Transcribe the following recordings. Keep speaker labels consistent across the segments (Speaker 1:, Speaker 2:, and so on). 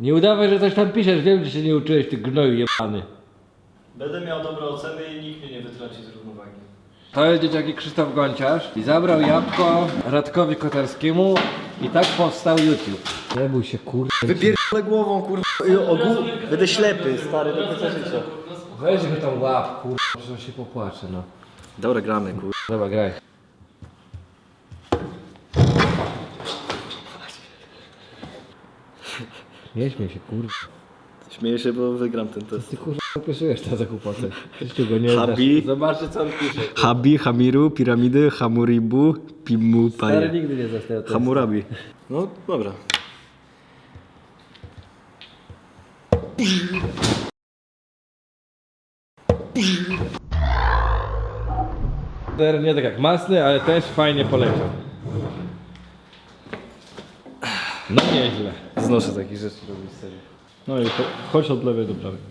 Speaker 1: Nie udawaj, że coś tam piszesz, wiem, że się nie uczyłeś, ty gnoju jebany.
Speaker 2: Będę miał dobre oceny i nikt mnie nie wytrąci z równowagi.
Speaker 1: To jest dzieciaki Krzysztof Gonciarz i zabrał jabłko Radkowi Kotarskiemu i tak powstał YouTube. Nie bój się kurwa.
Speaker 2: Wypierdolę głową, kurwa. Będę ślepy, stary, do końca życia.
Speaker 1: Weź go tam łap, kurwa, że on się popłacze, no.
Speaker 2: Dobra, gramy, kurwa.
Speaker 1: Dobra, graj. Nie śmiej się, kurwa.
Speaker 2: Śmieję się, bo wygram ten test.
Speaker 1: Ty kurwa opisujesz tę zakupotę. Ty go nie
Speaker 2: Habi.
Speaker 1: dasz. Zobaczcie co on pisze.
Speaker 2: Habi, Hamiru, piramidy, Hamuribu, Pimu,
Speaker 1: Stary
Speaker 2: Paje.
Speaker 1: nigdy nie został testu.
Speaker 2: Hamurabi. No, dobra.
Speaker 1: Nie tak jak masny, ale też fajnie poleciał. No nieźle.
Speaker 2: Znoszę takich rzeczy robić serio.
Speaker 3: No i chodź od lewej do prawej.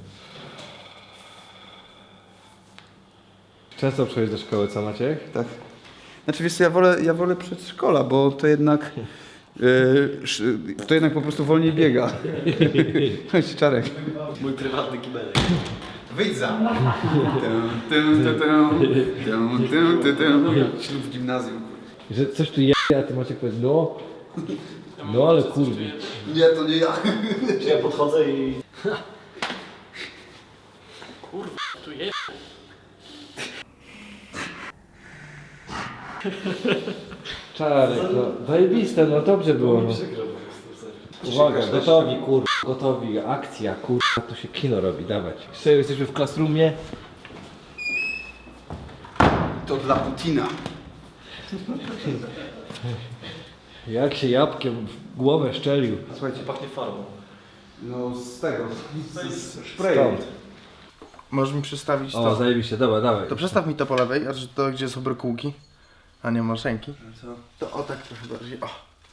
Speaker 1: Często przychodzisz do szkoły, co Maciek?
Speaker 4: Tak. Znaczy wiesz co, ja wolę przedszkola, bo to jednak to jednak po prostu wolniej biega. Chodź Czarek.
Speaker 2: Mój prywatny kibelek.
Speaker 4: Wyjdź za. Ślub w gimnazjum.
Speaker 1: Że coś tu je, a ty Maciek powiedz no. No ale kurwi.
Speaker 4: Nie, to nie ja.
Speaker 2: Czy ja podchodzę i...
Speaker 1: Czarek, no zajebiste, no dobrze było. No. Uwaga, gotowi kurwa, gotowi, akcja kurwa, tu się kino robi, dawać. Serio, jesteśmy w classroomie.
Speaker 4: To dla Putina.
Speaker 1: Jak się jabłkiem w głowę szczelił.
Speaker 4: Słuchajcie,
Speaker 2: Pachnie farbą.
Speaker 4: no z tego, z
Speaker 1: Stąd.
Speaker 5: Możesz mi przestawić
Speaker 1: O,
Speaker 5: to.
Speaker 1: zajebiście, dobra, dawaj.
Speaker 5: To przestaw mi to po lewej, a to gdzie są brokułki, a nie maszynki. To o tak trochę bardziej. O.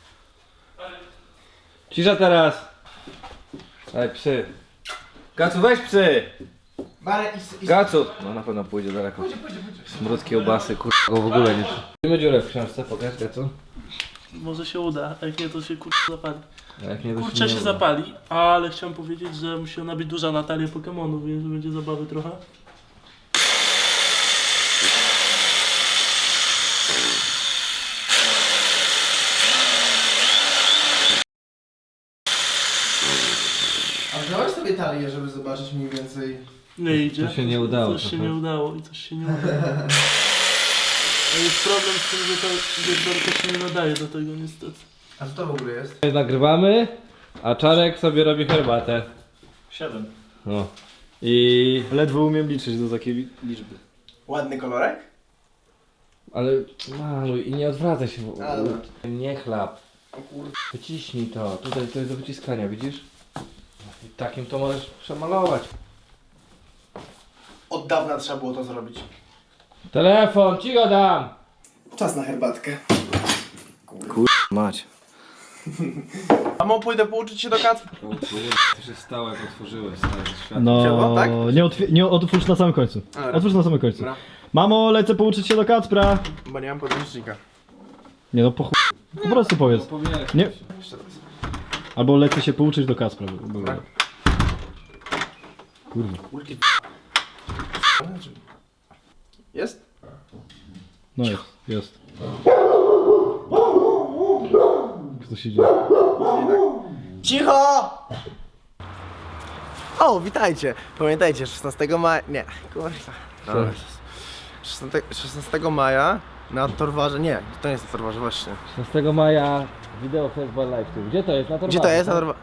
Speaker 1: Cisza teraz. Daj psy. Gacu, weź psy. Gacu. No na pewno pójdzie daleko. Smród kiełbasy, kurwa, go w ogóle nie. Mamy dziurę w książce, pokaż Gacu.
Speaker 6: Może się uda, a jak nie to się kurczę zapali.
Speaker 1: A jak nie, to
Speaker 6: Kurczę
Speaker 1: nie
Speaker 6: się
Speaker 1: uda.
Speaker 6: zapali, ale chciałem powiedzieć, że musi ona być duża na talię Pokemonów, więc że będzie zabawy trochę.
Speaker 5: A wziąłeś sobie talię, żeby zobaczyć mniej więcej.
Speaker 6: Nie idzie.
Speaker 1: To się nie udało
Speaker 6: Coś się
Speaker 1: trochę.
Speaker 6: nie udało i coś się nie udało. A jest problem z tym, że ta wiertarka się nie nadaje do tego niestety.
Speaker 5: A co to w ogóle jest?
Speaker 1: Nagrywamy, a Czarek sobie robi herbatę.
Speaker 2: 7.
Speaker 1: No. I...
Speaker 2: Ledwo umiem liczyć do takiej liczby.
Speaker 5: Ładny kolorek?
Speaker 1: Ale maluj i nie odwracaj się.
Speaker 5: A, dobra.
Speaker 1: Nie chlap.
Speaker 5: O kurde.
Speaker 1: Wyciśnij to. Tutaj to jest do wyciskania, widzisz? I takim to możesz przemalować.
Speaker 5: Od dawna trzeba było to zrobić.
Speaker 1: Telefon, ci go dam!
Speaker 5: Czas na herbatkę.
Speaker 2: Mać.
Speaker 5: Mamo, pójdę pouczyć się do kacpra.
Speaker 1: O kurde, to się stało jak otworzyłeś stary świat.
Speaker 3: No,
Speaker 5: Działa, tak?
Speaker 3: nie otwórz na samym końcu.
Speaker 5: Dobra.
Speaker 3: Otwórz na samym końcu.
Speaker 5: Dobra.
Speaker 3: Mamo, lecę pouczyć się do Kacpra.
Speaker 5: Bo nie mam podręcznika.
Speaker 3: Nie no, po prostu powiedz.
Speaker 1: Powinieneś.
Speaker 3: Nie.
Speaker 5: Jeszcze raz.
Speaker 3: Albo lecę się pouczyć do Kacpra. Kurwa.
Speaker 5: Jest?
Speaker 3: No jest. Co się dzieje?
Speaker 5: Cicho! O, witajcie! Pamiętajcie, 16 maja... Nie, kurwa. Dobra. 16 maja na Torwarze... Nie, to nie jest na Torwarze, właśnie.
Speaker 1: 16 maja wideo Festival Live tu. Gdzie to jest? Na Torwarze,
Speaker 5: Gdzie to jest? Na
Speaker 1: tak?
Speaker 5: Torwarze.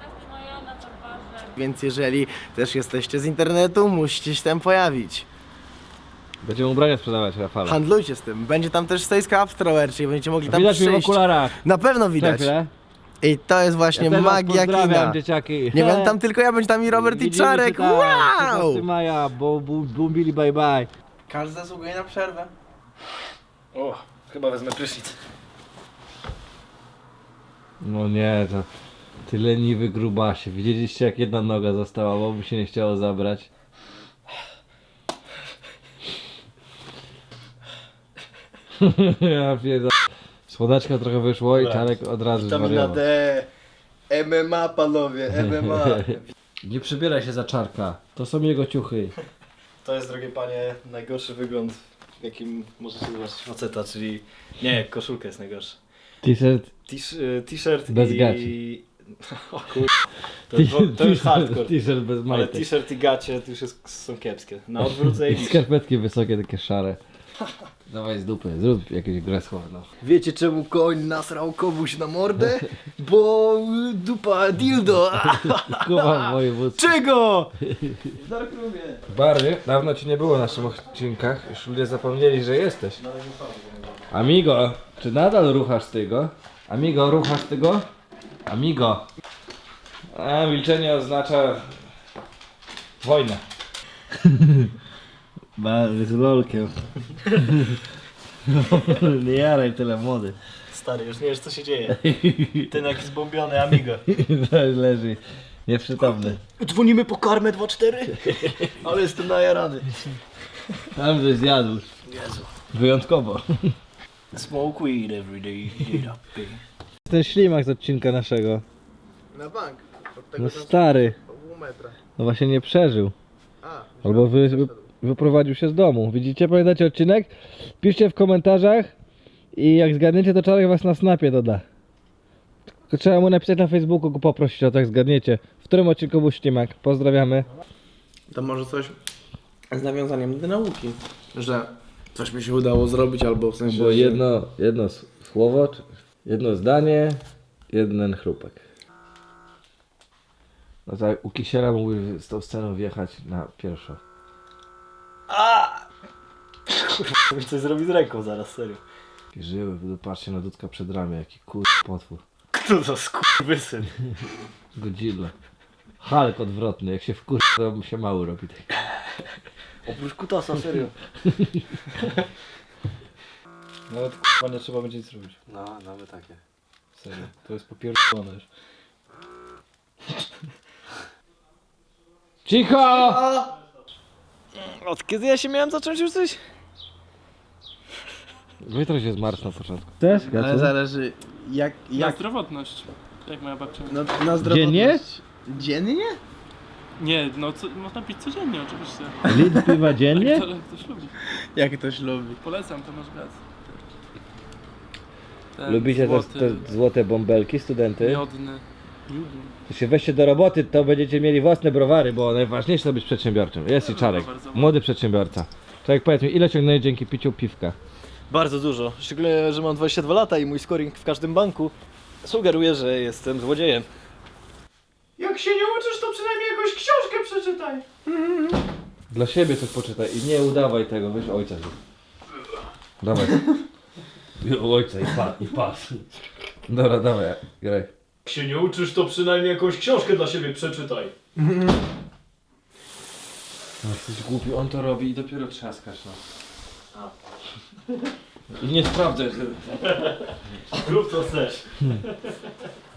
Speaker 5: Więc jeżeli też jesteście z internetu, musicie się tam pojawić.
Speaker 1: Będziemy ubrania sprzedawać, Rafale.
Speaker 5: Handlujcie z tym. Będzie tam też Stace Craft czyli będziecie mogli tam
Speaker 1: Widać mnie w
Speaker 5: przyjść.
Speaker 1: okularach.
Speaker 5: Na pewno widać.
Speaker 1: Chwilę.
Speaker 5: I to jest właśnie
Speaker 1: Ja też was
Speaker 5: magia
Speaker 1: pozdrawiam,
Speaker 5: kina.
Speaker 1: dzieciaki.
Speaker 5: Nie będę tam tylko ja, będzie tam i Robert i
Speaker 1: Widzimy się
Speaker 5: Czarek.
Speaker 1: tam,
Speaker 5: Wow!
Speaker 1: 16 maja, bo bumbili bye bye.
Speaker 5: Każdy zasługuje na przerwę.
Speaker 2: O, chyba wezmę prysznic.
Speaker 1: No nie, to ty leniwy grubasie. Widzieliście jak jedna noga została, bo mu się nie chciało zabrać. Ja pierdolę. Słoneczka trochę wyszło i Czarek od razu
Speaker 2: Witamina
Speaker 1: zwariował.
Speaker 2: D.
Speaker 5: MMA panowie, MMA.
Speaker 1: Nie przybieraj się za czarka. To są jego ciuchy.
Speaker 2: To jest, drogie panie, najgorszy wygląd, w jakim możecie zobaczyć faceta, czyli... Nie, koszulka jest najgorsza.
Speaker 1: T-shirt.
Speaker 2: T-shirt
Speaker 1: Bez
Speaker 2: i...
Speaker 1: gaci.
Speaker 2: O kur... To już hardcore.
Speaker 1: T-shirt bez
Speaker 2: Ale
Speaker 1: majtek.
Speaker 2: t-shirt i gacie to już są kiepskie. Na odwrót zajebiście.
Speaker 1: Skarpetki wysokie, takie szare. Dawaj z dupy, zrób jakieś grę słowną.
Speaker 5: Wiecie czemu koń nasrał komuś na mordę? Bo dupa dildo.
Speaker 1: Kuba w województwie.
Speaker 5: Czego?
Speaker 1: Bary, dawno ci nie było na naszych odcinkach. Już ludzie zapomnieli, że jesteś. Amigo, czy nadal ruchasz tego? Amigo, ruchasz tego? Amigo. A, milczenie oznacza... wojnę.
Speaker 2: Bary z lolkiem. Nie jaraj tyle, młody. Stary, już nie wiesz co się dzieje. Ten jaki zbombiony amigo.
Speaker 1: Leży nieprzytomny.
Speaker 2: Dzwonimy po karmę 2-4. Ale jestem najarany.
Speaker 1: Tam coś zjadł. Wyjątkowo.
Speaker 2: Smoke weed every day.
Speaker 1: Ten ślimak z odcinka naszego.
Speaker 5: Na bank. Od tego
Speaker 1: No
Speaker 5: czasu
Speaker 1: stary.
Speaker 5: pół metra.
Speaker 1: No właśnie nie przeżył.
Speaker 5: A,
Speaker 1: Albo wyprowadził się z domu. Widzicie? Pamiętacie odcinek? Piszcie w komentarzach i jak zgadniecie, to Czarek was na snapie doda. Tylko trzeba mu napisać na Facebooku, go poprosić o tak zgadniecie. W którym odcinku był ślimak? Pozdrawiamy.
Speaker 5: to może coś z nawiązaniem do nauki, że coś mi się udało zrobić, albo w sensie,
Speaker 1: Było
Speaker 5: że-
Speaker 1: jedno słowo, czy jedno zdanie, jeden chrupek. No tak, u Kisiela mógłby z tą sceną wjechać na pierwszą.
Speaker 2: Kurwa, coś zrobi z ręką zaraz, serio.
Speaker 1: I żyły, patrzcie na Dudka przed ramię, jaki potwór.
Speaker 2: Kto to skurwysyn?
Speaker 1: Godzilla. Hulk odwrotny, jak się to mu się mały robi.
Speaker 2: Oprócz kutasa, serio. Nawet kurwa nie trzeba będzie nic robić.
Speaker 1: No, nawet takie.
Speaker 2: Serio, to jest popierdolone już.
Speaker 1: Cicho!
Speaker 2: Od kiedy ja się miałem zacząć już coś?
Speaker 1: Wytro się zmarsz na początku. Też?
Speaker 5: Ale zależy jak
Speaker 6: Na zdrowotność. Jak moja babcia mówi.
Speaker 5: na zdrowotność.
Speaker 1: Dziennie?
Speaker 5: Dziennie?
Speaker 6: Nie, no można pić codziennie oczywiście.
Speaker 1: Litr piwa dziennie?
Speaker 6: Jak ktoś lubi.
Speaker 5: Jak ktoś lubi.
Speaker 6: Polecam, to masz rację.
Speaker 1: Lubicie te złote bąbelki, studenty?
Speaker 6: Miodny.
Speaker 1: To się weźcie do roboty, to będziecie mieli własne browary, bo najważniejsze to być przedsiębiorczym. Jest i Czarek, młody przedsiębiorca. Czarek, powiedz mi, ile ciągnęłeś dzięki piciu piwka?
Speaker 2: Bardzo dużo. Szczególnie, że mam 22 lata i mój scoring w każdym banku sugeruje, że jestem złodziejem.
Speaker 6: Jak się nie uczysz, to przynajmniej jakąś książkę przeczytaj.
Speaker 1: Dla siebie coś poczytaj i nie udawaj tego, weź ojca zrób. Dawaj. Ojca i pas. Dobra, dawaj, graj.
Speaker 7: Jak się nie uczysz, to przynajmniej jakąś książkę dla siebie przeczytaj.
Speaker 1: No, jesteś głupi, on to robi i dopiero trzaskasz, no. I nie sprawdzaj, że...
Speaker 7: Rób co chcesz.